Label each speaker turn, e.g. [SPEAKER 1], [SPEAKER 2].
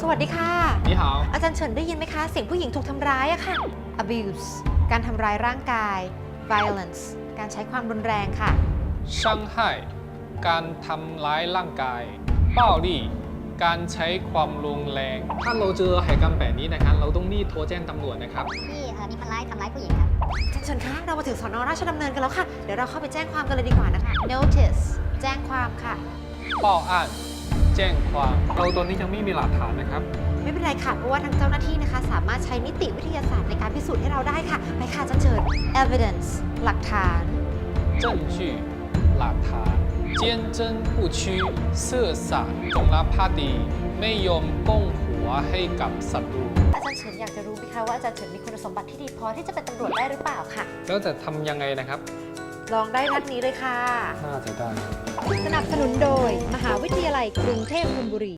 [SPEAKER 1] วัสดีค่ะ
[SPEAKER 2] 你好
[SPEAKER 1] อาจารย์เฉินได้ยินไหมคะเสียงผู้หญิงถูกทำร้ายอะค่ะ abuse การทำร้ายร่างกาย violence การใช้ความรุนแรงค่ะ
[SPEAKER 2] 伤害การทำร้ายร่างกาย暴力การใช้ความรุนแรงถ้าเราเจอเหตุการณ์แบบนี้นะครับเราต้องรีบโทรแจ้งตำรวจนะครับ
[SPEAKER 3] ที่มีคนร้ายทำร้ายผู้หญิงครับ
[SPEAKER 1] อาจารย์เฉินคะเรามาถึงสน.ราชดำเนินกันแล้วค่ะเดี๋ยวเราเข้าไปแจ้งความกันเลยดีกว่านะคะ notice แจ้งความค่ะ
[SPEAKER 2] 报案แจ้งความเราตอนนี้ยังไม่มีหลักฐานนะครับ
[SPEAKER 1] ไม่เป็นไรค่ะเพราะว่าทางเจ้าหน้าที่นะคะสามารถใช้นิติวิทยาศาสตร์ในการพิสูจน์ให้เราได้ค่ะไปค่ะอาจารย์เฉิน evidence หลักฐาน
[SPEAKER 2] 证据หลักฐาน坚贞不屈ซื่อสัตย์จงรักภักดีไม่ยอมก้มหัวให้กับศัตรู
[SPEAKER 1] อาจารย์เฉินอยากจะรู้ไหมคะว่าอาจารย์เฉินมีคุณสมบัติที่ดีพอที่จะเป็นตำรวจได้หรือเปล่าค่ะ
[SPEAKER 2] แล้วจะทำยังไงนะครับ
[SPEAKER 1] ลองได้นัดนี้เลยค่ะ
[SPEAKER 2] น่าจะได้
[SPEAKER 1] สนับสนุนโดยมหาวิทยาลัยกรุงเทพธนบุรี